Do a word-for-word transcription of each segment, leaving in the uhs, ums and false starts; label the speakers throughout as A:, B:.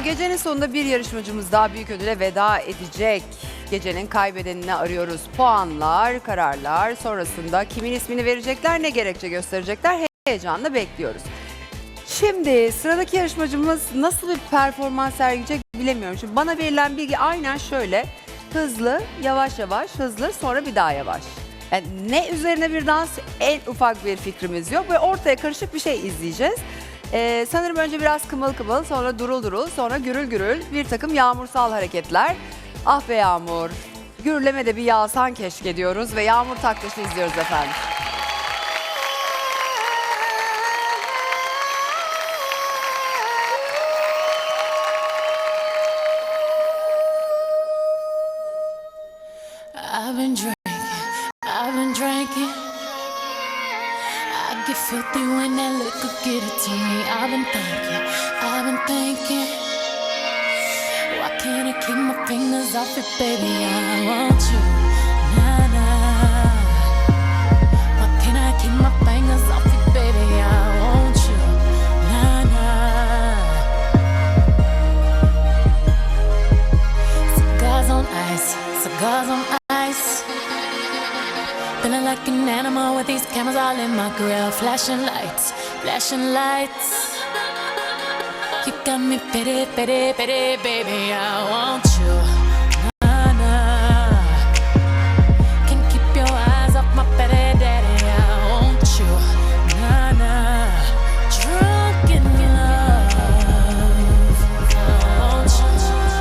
A: Efendim gecenin sonunda bir yarışmacımız daha büyük ödüle veda edecek. Gecenin kaybedenini arıyoruz. Puanlar, kararlar sonrasında kimin ismini verecekler, ne gerekçe gösterecekler heyecanla bekliyoruz. Şimdi sıradaki yarışmacımız nasıl bir performans sergileyecek bilemiyorum. Şimdi bana verilen bilgi aynen şöyle. Hızlı, yavaş yavaş, hızlı, sonra bir daha yavaş. Yani ne üzerine bir dans, en ufak bir fikrimiz yok ve ortaya karışık bir şey izleyeceğiz. Ee, sanırım önce biraz kımıl kımıl, sonra durul durul, sonra gürül gürül bir takım yağmursal hareketler. Ah be Yağmur, gürleme de bir yağsan keşke diyoruz ve Yağmur Taktaş'ı izliyoruz efendim.
B: I've been drinking, I've been drinking. I get filthy when that liquor get it to me. I've been thinking, I've been thinking. Why can't I keep my fingers off it, baby? I want you, nah, nah. Why can't I keep my fingers off it, baby? I want you, nah, nah. Cigars on ice, cigars on ice. Feeling like an animal with these cameras all in my grill. Flashing lights, flashing lights. You got me pity, pity, pity, baby. I want you, nah, nah. Can't keep your eyes off my pity, daddy. I want you, nah, nah. Drunk in love, I want you.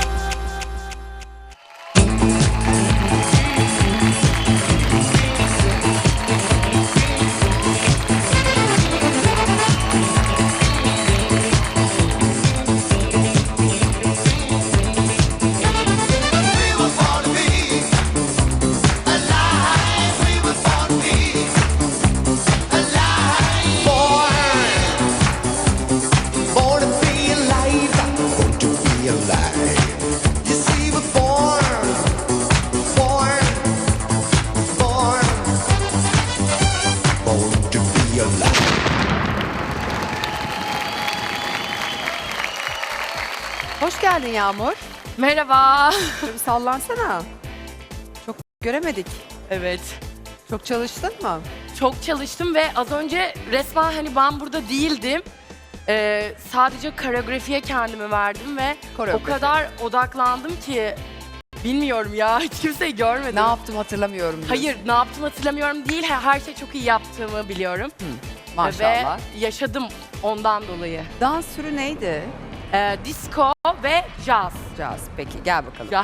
A: Hoş geldin Yağmur.
C: Merhaba.
A: Şöyle bir sallansana. Çok göremedik.
C: Evet.
A: Çok çalıştın mı?
C: Çok çalıştım ve az önce resmen hani ben burada değildim. Ee, sadece koreografiye kendimi verdim ve
A: Koreografi.
C: o kadar odaklandım ki bilmiyorum ya hiç kimseyi görmedim.
A: Ne yaptım hatırlamıyorum diyorsun.
C: Hayır, ne yaptım hatırlamıyorum değil. Her her şey çok iyi yaptığımı biliyorum.
A: Maşallah.
C: Ve yaşadım ondan dolayı.
A: Dans türü neydi?
C: Ee, disco ve jazz.
A: Caz. Peki gel bakalım.
C: Jazz.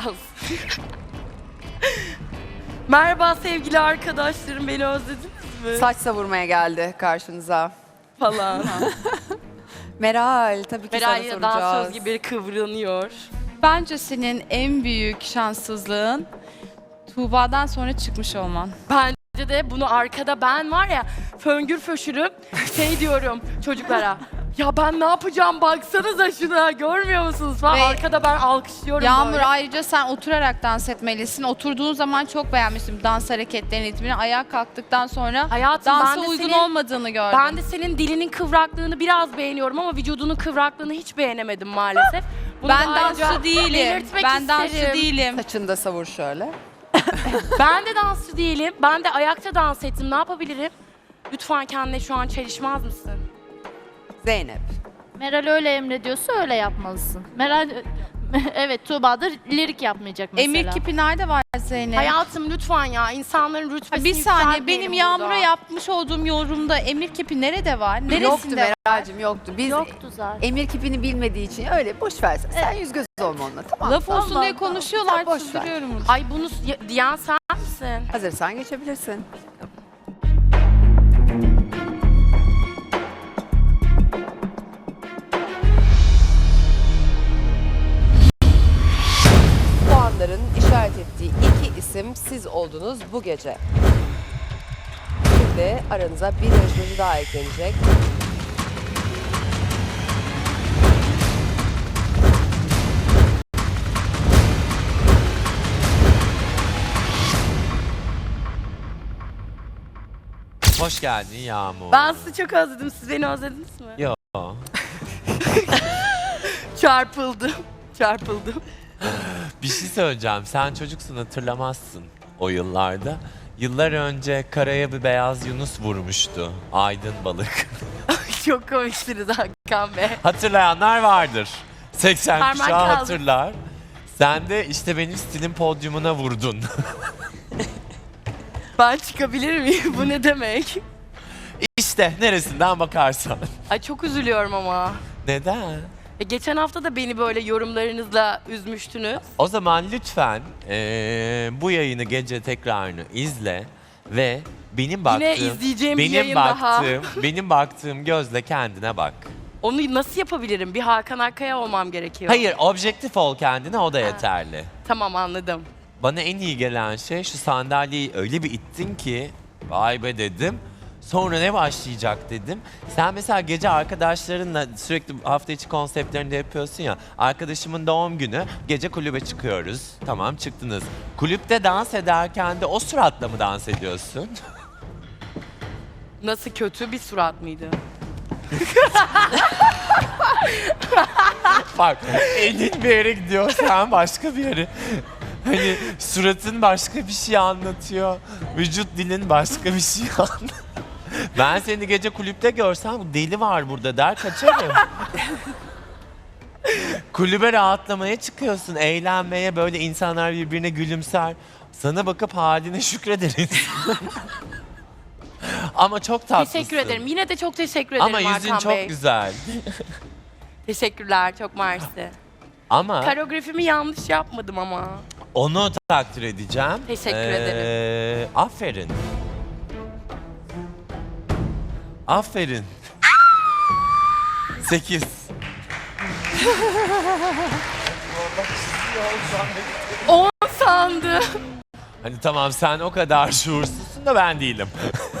C: Merhaba sevgili arkadaşlarım, beni özlediniz mi?
A: Saç savurmaya geldi karşınıza.
C: Falan.
A: Meral tabii ki
C: Meral
A: sana
C: dansöz
A: soracağız.
C: gibi kıvranıyor.
D: Bence senin en büyük şanssızlığın Tuğba'dan sonra çıkmış olman.
C: Bence de bunu arkada ben var ya föngür föşürüm şey diyorum çocuklara. Ya ben ne yapacağım baksanıza şuna görmüyor musunuz falan.
D: Ve
C: Arkada ben alkışlıyorum
D: Yağmur
C: böyle.
D: ayrıca sen oturarak dans etmelisin. Oturduğun zaman çok beğenmiştim dans hareketlerini, ritmini. Ayağa kalktıktan sonra
C: Hayatım,
D: dansa
C: ben de
D: uygun
C: senin-
D: olmadığını gördüm.
C: Ben de senin dilinin kıvraklığını biraz beğeniyorum ama vücudunun kıvraklığını hiç beğenemedim maalesef. Bunu
D: ben
C: da ayrıca
D: dansçı değilim.
C: belirtmek
D: Ben dansçı
C: isterim.
D: değilim.
A: Saçını da savur şöyle.
C: Ben de dansçı değilim. Ben de ayakta dans ettim. Ne yapabilirim? Lütfen kendine şu an çelişmez misin?
A: Zeynep.
E: Meral öyle emrediyorsa öyle yapmalısın. Meral evet Tuğba da lirik yapmayacak mesela.
D: Emir kipi nerede var Zeynep?
C: Hayatım lütfen ya insanların
D: Ha,
C: rütbesini
D: bir saniye
C: yükseltmeyelim
D: benim
C: burada.
D: Yağmur'a yapmış olduğum yorumda emir kipi nerede var? Neresinde
A: Yoktu
D: var?
A: Meral'cim yoktu. Biz
E: Yoktu zaten.
A: emir kipini bilmediği için öyle boş versen. Sen yüz göz olma onunla tamam.
D: Laf olsun
E: Tamam,
D: diye
E: tamam.
D: konuşuyorlar,
A: Sen boş ver.
D: çıldırıyorum.
C: Ay bunu y- diyen sen misin?
A: Hazırsan geçebilirsin.
F: Puanların işaret ettiği iki isim siz oldunuz bu gece. Şimdi aranıza bir yarışmacı daha eklenecek.
G: Hoş geldin Yağmur.
C: Ben sizi çok özledim. Siz beni özlediniz mi?
G: Yo.
C: Çarpıldım. Çarpıldım.
G: Bir şey söyleyeceğim. Sen çocuksun, hatırlamazsın o yıllarda. Yıllar önce karaya bir beyaz yunus vurmuştu. Aydın balık.
C: Çok komiksiniz Hakan Bey.
G: Hatırlayanlar vardır. seksen
C: Parmak
G: kuşağı
C: kaldı.
G: hatırlar. Sen de işte benim stilin podyumuna vurdun.
C: Ben çıkabilir miyim? Bu ne demek?
G: İşte neresinden bakarsan.
C: Ay çok üzülüyorum ama.
G: Neden?
C: E, geçen hafta da beni böyle yorumlarınızla üzmüştünüz.
G: O zaman lütfen eee, bu yayını gece tekrarını izle ve benim baktığım
C: izleyeceğim bir
G: benim
C: yayın daha.
G: baktığım benim baktığım gözle kendine bak.
C: Onu nasıl yapabilirim? Bir Hakan Akkaya olmam gerekiyor.
G: Hayır, objektif ol kendine, o da yeterli.
C: Tamam, anladım.
G: Bana en iyi gelen şey, şu sandalyeyi öyle bir ittin ki vay be dedim. Sonra ne başlayacak dedim. Sen mesela gece arkadaşlarınla sürekli hafta içi konseptlerinde yapıyorsun ya. Arkadaşımın doğum günü, gece kulübe çıkıyoruz. Tamam, çıktınız. Kulüpte dans ederken de o suratla mı dans ediyorsun?
C: Nasıl, kötü bir surat mıydı?
G: Bak, elin bir yere gidiyor, sen başka bir yere. Hani suratın başka bir şey anlatıyor. Vücut dilin başka bir şey anlatıyor. Ben seni gece kulüpte görsem bu deli var burada der, kaçarım. Kulübe rahatlamaya çıkıyorsun, eğlenmeye, böyle insanlar birbirine gülümser. Sana bakıp haline şükrederiz. Ama çok tatlısın.
C: Teşekkür ederim. Yine de çok teşekkür ederim
G: Ama yüzün
C: Hakan
G: çok
C: Bey.
G: güzel.
C: Teşekkürler, çok mersi.
G: Ama
C: Koreografimi yanlış yapmadım ama.
G: onu takdir edeceğim.
C: Teşekkür
G: Ee,
C: ederim.
G: Aferin. Aferin. Sekiz.
C: On sandım.
G: Hani tamam, sen o kadar şuursuzsun da ben değilim.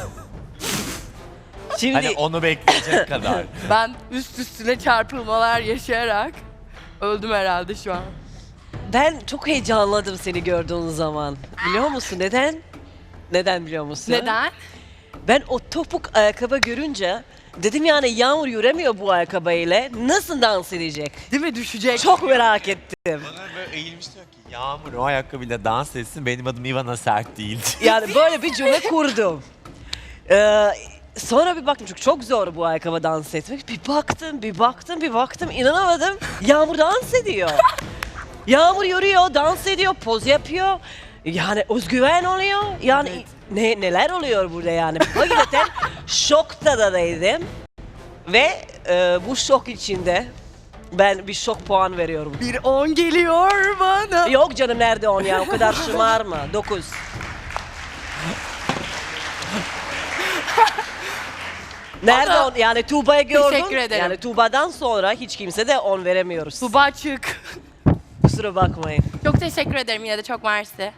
H: Şimdi
G: Hani onu bekleyecek kadar.
C: Ben üst üstüne çarpılmalar yaşayarak öldüm herhalde şu an.
H: ben çok heyecanladım seni gördüğün zaman. Biliyor musun neden? Neden biliyor musun?
C: Neden?
H: Ben o topuk ayakkabı görünce dedim yani Yağmur yüremiyor bu ayakkabıyla. Nasıl dans edecek?
C: Değil mi, düşecek?
H: Çok merak ettim.
G: Bana böyle eğilmiş diyor ki, Yağmur o ayakkabıyla dans etsin, benim adım Ivana Sert değil.
H: Yani böyle bir cümle kurdum. Ee, sonra bir baktım çünkü çok zor bu ayakkabı dans etmek. Bir baktım, bir baktım, bir baktım. İnanamadım. Yağmur dans ediyor. Yağmur yürüyor, dans ediyor, poz yapıyor. Yani özgüven oluyor. Yani ne neler oluyor burada yani. Hakikaten şokta da değildim. Ve e, bu şok içinde ben bir şok puan veriyorum.
C: Bir on geliyor bana.
H: Yok canım, nerede on ya, o kadar şımarma. Dokuz. Nerede
C: Ama-
H: on? Yani Tuğba'yı gördüm.
C: Teşekkür ederim.
H: Yani Tuğba'dan sonra hiç kimse de on veremiyoruz.
C: Tuba çık.
H: Kusura bakmayın.
C: Çok teşekkür ederim, yine de çok mersi.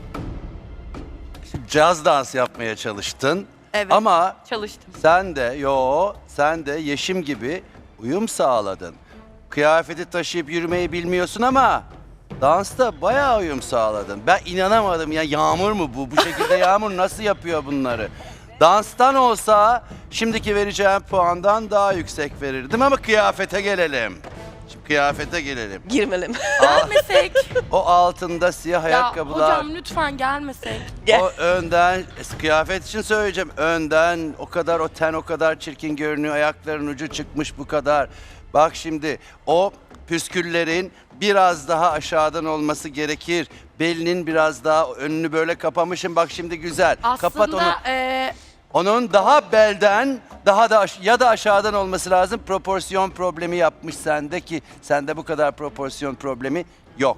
I: Caz dans yapmaya çalıştın.
C: Evet.
I: Ama
C: Çalıştım.
I: sen de yo sen de Yeşim gibi uyum sağladın. Kıyafeti taşıyıp yürümeyi bilmiyorsun ama dansta bayağı uyum sağladın. Ben inanamadım ya, Yağmur mu bu? Bu şekilde Yağmur nasıl yapıyor bunları? Danstan olsa şimdiki vereceğim puandan daha yüksek verirdim ama kıyafete gelelim. Şimdi kıyafete gelelim.
H: Girmelim.
C: Gelmesek.
I: O altında siyah
C: Ya
I: ayakkabılar.
C: hocam lütfen gelmesek.
H: Gel.
I: O önden, kıyafet için söyleyeceğim. Önden o kadar, o ten o kadar çirkin görünüyor. Ayakların ucu çıkmış bu kadar. Bak şimdi o püsküllerin biraz daha aşağıdan olması gerekir. Belinin biraz daha önünü böyle kapamışım. Bak şimdi güzel. Kapat onu.
C: Aslında e,
I: Onun daha belden, daha da aş- ya da aşağıdan olması lazım. Proporsiyon problemi yapmış sende ki sende bu kadar proporsiyon problemi yok.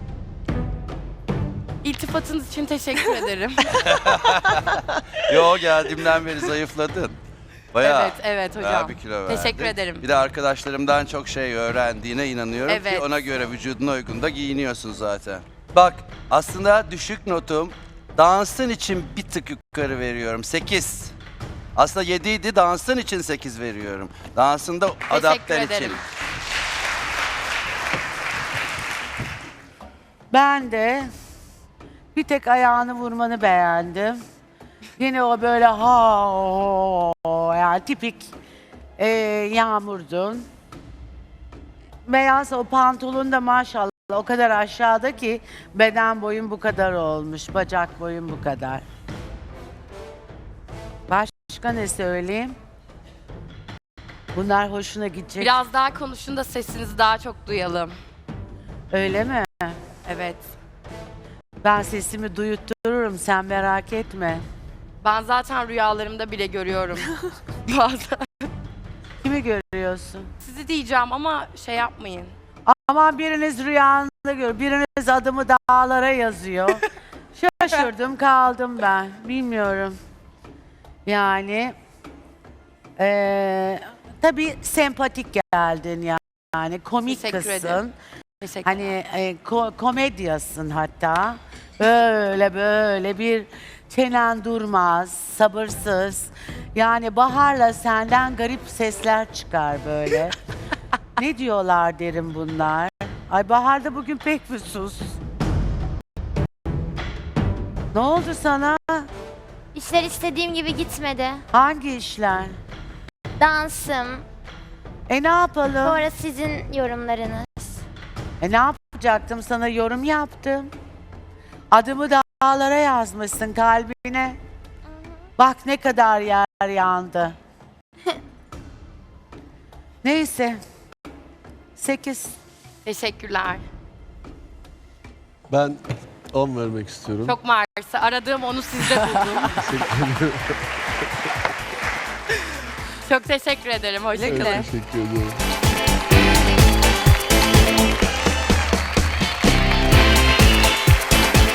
C: iltifatınız için teşekkür ederim.
I: Yo, geldiğimden beri zayıfladın. Bayağı.
C: Evet, evet hocam.
I: bayağı bir kilo verdin.
C: Teşekkür ederim.
I: Bir de arkadaşlarımdan çok şey öğrendiğine inanıyorum ki
C: Evet.
I: ona göre vücuduna uygun da giyiniyorsun zaten. Bak, aslında düşük notum dansın için bir tık yukarı veriyorum. sekiz. Aslında yedi idi, dansın için sekiz veriyorum. Dansında adapter için.
C: ederim.
J: Ben de bir tek ayağını vurmanı beğendim. Yine o böyle ha o, yani tipik e, Yağmur'dun. beyaz o pantolon da maşallah o kadar aşağıda ki beden boyun bu kadar olmuş, bacak boyun bu kadar. Başka ne söyleyeyim? Bunlar hoşuna gidecek.
C: Biraz daha konuşun da sesinizi daha çok duyalım.
J: Öyle mi?
C: Evet.
J: Ben sesimi duyuttururum, sen merak etme.
C: Ben zaten rüyalarımda bile görüyorum. Bazen.
J: Kimi görüyorsun?
C: Sizi diyeceğim ama şey yapmayın.
J: Aman biriniz rüyanda gör, biriniz adımı dağlara yazıyor. Şaşırdım kaldım ben, bilmiyorum. Yani eee tabii sempatik geldin yani, komik
C: Teşekkür
J: kızsın.
C: ederim. Teşekkür
J: Hani e, ko- komedyasın hatta. Böyle böyle bir çenen durmaz, sabırsız. Yani Bahar'la senden garip sesler çıkar böyle. Ne diyorlar derim bunlar. Ay Bahar da bugün pek bir sus. Ne oldu sana?
K: İşler istediğim gibi gitmedi.
J: Hangi işler?
K: Dansım,
J: E ne yapalım?
K: sonra sizin yorumlarınız.
J: E ne yapacaktım, sana yorum yaptım. Adımı dağlara yazmışsın kalbine. Bak ne kadar yer yandı. Neyse. Sekiz.
C: Teşekkürler.
L: Ben on vermek istiyorum.
C: Çok mersi. Aradığım onu sizde buldum. Çok teşekkür ederim. Hoşçakalın.
L: Evet, teşekkür ediyorum.